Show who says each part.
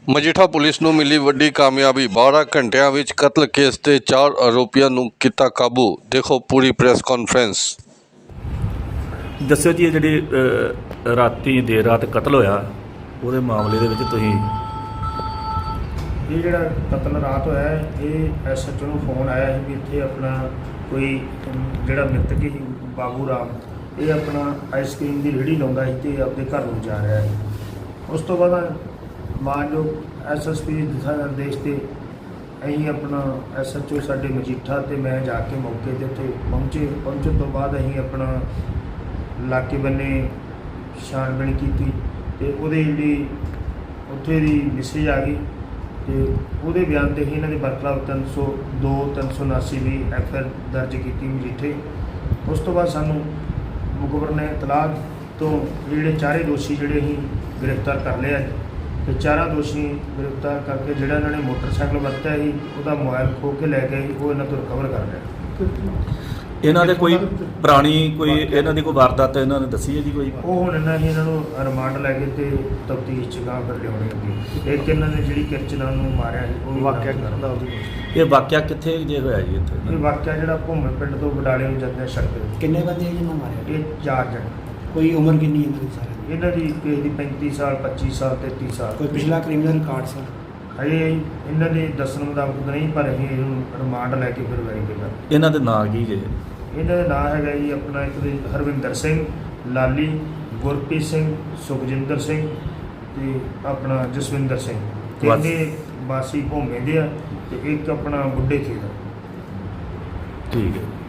Speaker 1: Majitha police ਨੂੰ ਮਿਲੀ ਵੱਡੀ ਕਾਮਯਾਬੀ। 12 ਘੰਟਿਆਂ ਵਿੱਚ ਕਤਲ ਕੇਸ ਦੇ 4 ਆਰੋਪੀਆਂ ਨੂੰ ਕੀਤਾ ਕਾਬੂ। ਦੇਖੋ ਪੂਰੀ ਪ੍ਰੈਸ ਕਾਨਫਰੰਸ।
Speaker 2: ਦੱਸਿਓ ਜੀ ਇਹ ਜਿਹੜੀ ਰਾਤੀ ਦੇਰ ਰਾਤ ਕਤਲ ਹੋਇਆ ਉਹਦੇ ਮਾਮਲੇ ਦੇ ਵਿੱਚ ਤੁਸੀਂ
Speaker 3: ਇਹ ਜਿਹੜਾ ਕਤਲ ਰਾਤ ਹੋਇਆ ਹੈ, ਇਹ ਐਸਐਚਓ ਨੂੰ ਫੋਨ ਆਇਆ ਸੀ ਵੀ ਇੱਥੇ ਆਪਣਾ ਕੋਈ ਜਿਹੜਾ ਮ੍ਰਿਤਕ ਸੀ ਬਾਬੂ ਰਾਮ, ਇਹ ਆਪਣਾ ਆਈਸਕ੍ਰੀਮ ਦੀ ਰੇਹੜੀ ਲਾਉਂਦਾ ਸੀ ਤੇ ਆਪਣੇ ਘਰ ਨੂੰ ਜਾ ਰਿਹਾ ਹੈ। ਉਸ ਤੋਂ ਬਾਅਦ ਮਾਨਯੋਗ ਐਸਐਸਪੀ ਦੇ ਦਿਸ਼ਾ ਨਿਰਦੇਸ਼ 'ਤੇ ਅਸੀਂ ਆਪਣਾ ਐਸਐਚਓ ਸਾਡੇ ਮਜੀਠਾ ਤੇ ਮੈਂ ਜਾ ਕੇ ਮੌਕੇ 'ਤੇ ਉੱਥੇ ਪਹੁੰਚਣ ਤੋਂ ਬਾਅਦ ਅਸੀਂ ਆਪਣਾ ਇਲਾਕੇ ਬੰਨੇ ਛਾਣਬੀਣ ਕੀਤੀ ਤੇ ਉਹਦੇ ਜਿਹੜੀ ਉੱਥੇ ਦੀ ਮੈਸੇਜ ਆ ਗਈ ਤੇ ਉਹਦੇ ਬਿਆਨ 'ਤੇ ਹੀ ਇਹਨਾਂ ਦੇ ਬਰਖਲਾਫ 302 379 ਦੀ ਐਫਆਈਆਰ ਦਰਜ ਕੀਤੀ ਮਜੀਠੇ। ਉਸ ਤੋਂ ਬਾਅਦ ਸਾਨੂੰ ਮੁਖਬਰ ਨੇ ਇਤਲਾਹ ਤੋਂ ਜਿਹੜੇ ਚਾਰੇ ਦੋਸ਼ੀ ਜਿਹੜੇ ਅਸੀਂ ਗ੍ਰਿਫਤਾਰ ਕਰ ਲਿਆ ਤੇ ਚਾਰਾਂ ਦੋਸ਼ੀ ਗ੍ਰਿਫਤਾਰ ਕਰਕੇ ਜਿਹੜਾ ਇਹਨਾਂ ਨੇ ਮੋਟਰਸਾਈਕਲ ਵਰਤਿਆ ਸੀ ਉਹਦਾ ਮੋਬਾਈਲ ਖੋਹ ਕੇ ਲੈ ਗਏ, ਉਹ ਇਹਨਾਂ ਤੋਂ ਰਿਕਵਰ ਕਰ ਲਿਆ।
Speaker 2: ਇਹਨਾਂ ਦੇ ਕੋਈ ਪੁਰਾਣੀ ਕੋਈ ਇਹਨਾਂ ਦੀ ਕੋਈ ਵਾਰਦਾਤ ਇਹਨਾਂ ਨੇ ਦੱਸੀ ਹੈ ਜੀ ਕੋਈ?
Speaker 3: ਉਹ ਹੁਣ ਇਹਨਾਂ ਨੂੰ ਰਿਮਾਂਡ ਲੈ ਕੇ ਤੇ ਤਫਤੀਸ਼ ਚ ਗਾਂ ਫਿਰ ਲਿਆਉਣੀ ਅੱਗੇ। ਇੱਕ ਇਹਨਾਂ ਨੇ ਜਿਹੜੀ ਕਿਰਚਨਾ ਨੂੰ ਮਾਰਿਆ ਸੀ ਉਹ ਵਾਕਿਆ ਕਰਦਾ।
Speaker 2: ਇਹ ਵਾਕਿਆ ਕਿੱਥੇ ਜੇ ਹੋਇਆ ਜੀ ਇੱਥੇ?
Speaker 3: ਇਹ ਵਾਕਿਆ ਜਿਹੜਾ ਭੂਮੇ ਪਿੰਡ ਤੋਂ ਬਡਾਲੇ ਨੂੰ ਜਾਂਦੇ ਸੜਕ ਤੇ।
Speaker 4: ਕਿੰਨੇ ਬੰਦੇ ਜਿਹਨਾਂ ਮਾਰਿਆ?
Speaker 3: ਇਹ 4 ਜਣੇ।
Speaker 4: ਕੋਈ ਉਮਰ ਕਿੰਨੀ ਇਹਨਾਂ ਦੀ ਸਾਰਿਆਂ ਦੀ?
Speaker 3: ਇਹਨਾਂ ਦੀ ਕਿਸੇ ਦੀ 35 ਸਾਲ 25 ਸਾਲ 33 ਸਾਲ।
Speaker 4: ਕੋਈ ਪਿਛਲਾ ਕ੍ਰਿਮੀਨਲ ਰਿਕਾਰਡ ਸਰ?
Speaker 3: ਹਜੇ ਇਹਨਾਂ ਦੇ ਦੱਸਣ ਮੁਤਾਬਕ ਨਹੀਂ, ਪਰ ਅਸੀਂ ਇਹਨੂੰ ਰਿਮਾਂਡ ਲੈ ਕੇ ਫਿਰ ਵੈਰੀਫਾਈ ਕਰਾਂਗੇ।
Speaker 2: ਇਹਨਾਂ ਦੇ ਨਾਂ ਕੀ ਜੇ?
Speaker 3: ਇਹਨਾਂ ਦਾ ਨਾਮ ਹੈਗਾ ਜੀ ਆਪਣਾ ਇੱਕ ਦੇ ਹਰਵਿੰਦਰ ਸਿੰਘ, ਲਾਲੀ, ਗੁਰਪ੍ਰੀਤ ਸਿੰਘ, ਸੁਖਜਿੰਦਰ ਸਿੰਘ ਤੇ ਆਪਣਾ ਜਸਵਿੰਦਰ ਸਿੰਘ। ਤਿੰਨੇ ਵਾਸੀ ਭੂਮੇ ਦੇ ਆ ਤੇ ਇੱਕ ਆਪਣਾ ਬੁੱਢੇ ਖੇਤ।
Speaker 2: ਠੀਕ ਹੈ।